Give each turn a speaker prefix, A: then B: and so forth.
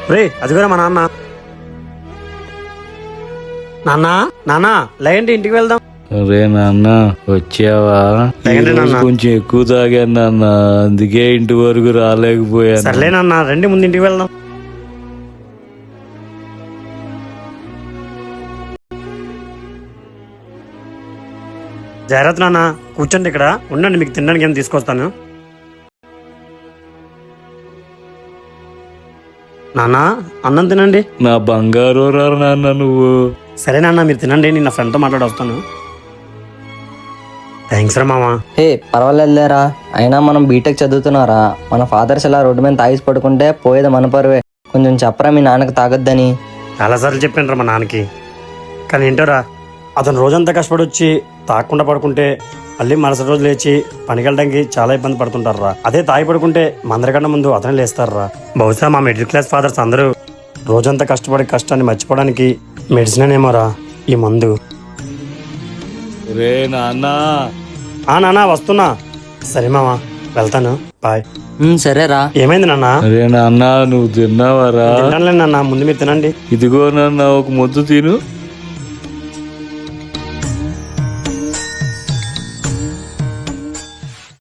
A: రే అదిగోరా మా నాన్న. నాన్న నాన్న లేండి ఇంటికి వెళ్దాం.
B: అరే నాన్న వచ్చావా?
A: లేకండి
B: ఈరోజు
A: నాన్న.
B: కొంచెం ఎక్కువ తాగాను నాన్న, అందుకే ఇంటి వరకు రాలేకపోయాను.
A: సర్లే నాన్న రండి ముందు ఇంటికి వెళ్దాం. జాగ్రత్త నాన్న, కూర్చోండి ఇక్కడ ఉండండి, మీకు తినడానికి ఏం తీసుకొస్తాను. నాన్న అన్నం తినండి.
B: నా బంగారు రా నాన్న నువ్వు.
A: సరే నాన్న మీరు తినండి, నేను నా ఫ్రెండ్తో మాట్లాడి వస్తాను. థ్యాంక్స్ రా మామా.
C: హే పర్వాలేదులేరా, అయినా మనం బీటెక్ చదువుతున్నారా? మన ఫాదర్స్ ఇలా రోడ్డు మీద తాగిసి పడుకుంటే పోయేది మన పరువే. కొంచెం చెప్పరా మీ నాన్నకు తాగొద్దని.
A: చాలాసార్లు చెప్పాను రా మా నాన్నకి, కానీ ఏంటోరా అతను రోజంతా కష్టపడి వచ్చి తాగకుండా పడుకుంటే మళ్ళీ మరుసటి రోజు లేచి పనికి వెళ్ళడానికి చాలా ఇబ్బంది పడుతుంటారు రా. అదే తాగి పడుకుంటే మందరికన్నా ముందు అతనే లేస్తారు రా. బహుశా మా మిడిల్ క్లాస్ ఫాదర్స్ అందరూ రోజంతా కష్టపడి కష్టాన్ని మర్చిపోవడానికి మెడిసిన్ ఏమోరా ఈ మందు.
B: రే నాన్న.
A: నాన్న వస్తున్నా. సరే మామ వెళ్తాను, బాయ్.
C: సరేరా.
A: ఏమైంది నాన్న?
B: అరే నాన్న నువ్వు తిన్నావారా?
A: తింటానులే నాన్న, ముందు మీరు తినండి.
B: ఇదిగో నాన్న ఒక ముద్దు తిను.